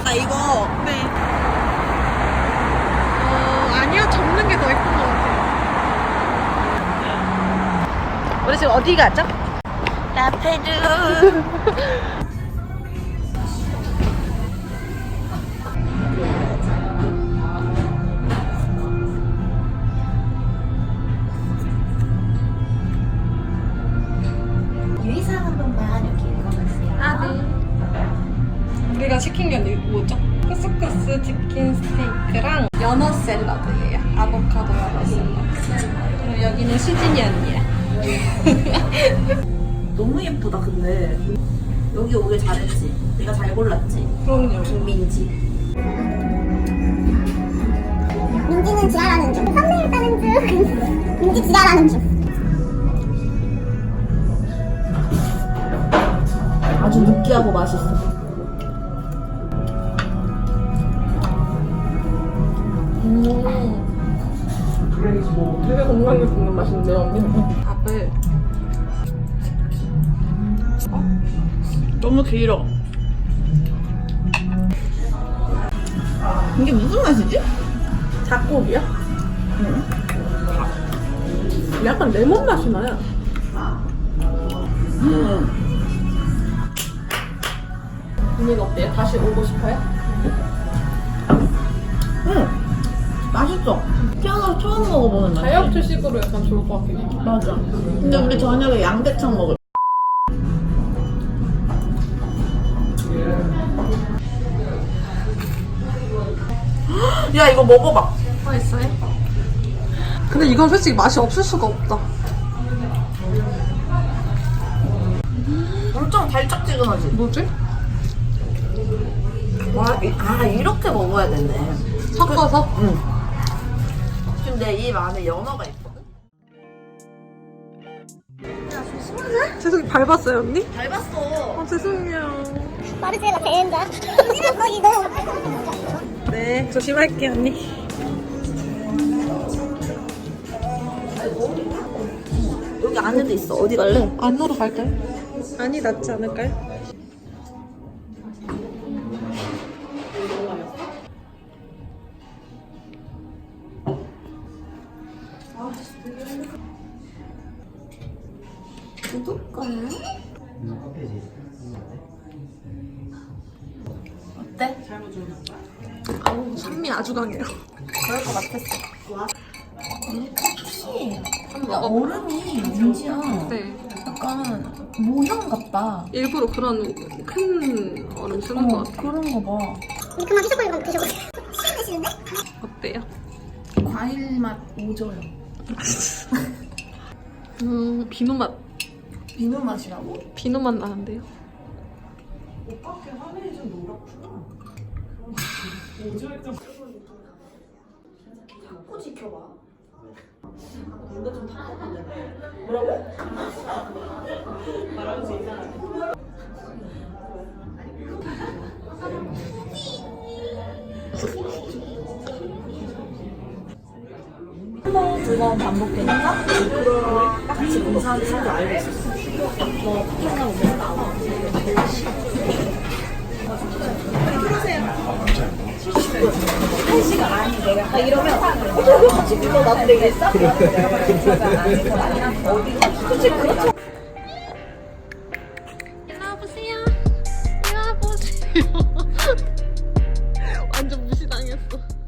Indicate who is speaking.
Speaker 1: 예쁘다 이거.
Speaker 2: 네. 아니요, 접는 게 더 예쁜 것 같아요.
Speaker 1: 우리 지금 어디 가죠? 라페르.
Speaker 3: 유의사항 한 번만 이렇게 읽어보세요.
Speaker 2: 아, 네. 우리가 시킨 게 뭐죠? 쿠스쿠스 치킨 스테이크랑 연어 샐러드예요. 아보카도 연어 샐러드. 그리고 여기는 수진이 언니야.
Speaker 1: 너무 예쁘다 근데. 여기 오길 잘했지. 내가 잘 골랐지.
Speaker 2: 그럼요.
Speaker 1: 김민지.
Speaker 3: 민지는 지랄하는 중. 썸네일 따는 중. 민지 지랄하는 중.
Speaker 1: 아주 느끼하고 맛있어.
Speaker 2: 되게 건강하게 먹는 맛인데요, 언니? 밥을
Speaker 1: 너무 길어. 이게 무슨 맛이지?
Speaker 2: 닭고기야? 약간 레몬 맛이 나요. 언니가 어때요? 다시 오고 싶어요?
Speaker 1: 맛있어. 태어나서 처음 먹어보는 맛.
Speaker 2: 다이어트식으로 약간 좋을 것 같긴 해.
Speaker 1: 맞아. 근데 우리 저녁에 양대창 먹을. 야 이거 먹어봐.
Speaker 2: 맛있어요? 근데 이건 솔직히 맛이 없을 수가 없다.
Speaker 1: 엄청 달짝지근하지?
Speaker 2: 뭐지?
Speaker 1: 아 이렇게 먹어야 되네.
Speaker 2: 섞어서?
Speaker 1: 응. 근데 이 안에 연어가 있거든?
Speaker 2: 죄송해요. 밟았어요, 언니?
Speaker 1: 밟았어.
Speaker 2: 죄송해요.
Speaker 3: 마르제라 대행자. 민지는 거기 너무.
Speaker 2: 네, 조심할게요, 언니.
Speaker 1: 여기 안에도 있어. 어디 갈래?
Speaker 2: 안으로 갈까요? 아니, 낫지 않을까요?
Speaker 3: 구독과요?
Speaker 1: 어때?
Speaker 2: 아우, 산미 아주 강해요.
Speaker 1: 그럴 것 같았어.
Speaker 3: 혹시
Speaker 1: 야, 얼음이 민지야.
Speaker 2: 네.
Speaker 3: 약간 모형 같다.
Speaker 2: 일부러 그런 큰 얼음 쓰는 것 같아요.
Speaker 3: 그런 거 봐. 우리 그만 휴대폰 좀 드셔보세요. 시원하시는데?
Speaker 2: 어때요?
Speaker 3: 과일 맛 오져요.
Speaker 2: 비누 맛.
Speaker 3: 비누 맛이라고?
Speaker 2: 비누 맛 나는데요?
Speaker 1: 오빠께 화면이 좀 노랗구나. 자꾸 지켜봐. 뭔가 좀 답답한데. 뭐라고? 말하면서 이상하네. 한 번, 두 번 반복되니까 딱지 공사하기 싫은 줄 알고 있었어. 너 하나 오면 나와. 한 시간 아니 내가 이러면 저기 같이 불러 나도 되겠어? 내가 솔직히 그렇죠.
Speaker 2: 일로 와보세요. 일로 와보세요. 완전 무시당했어.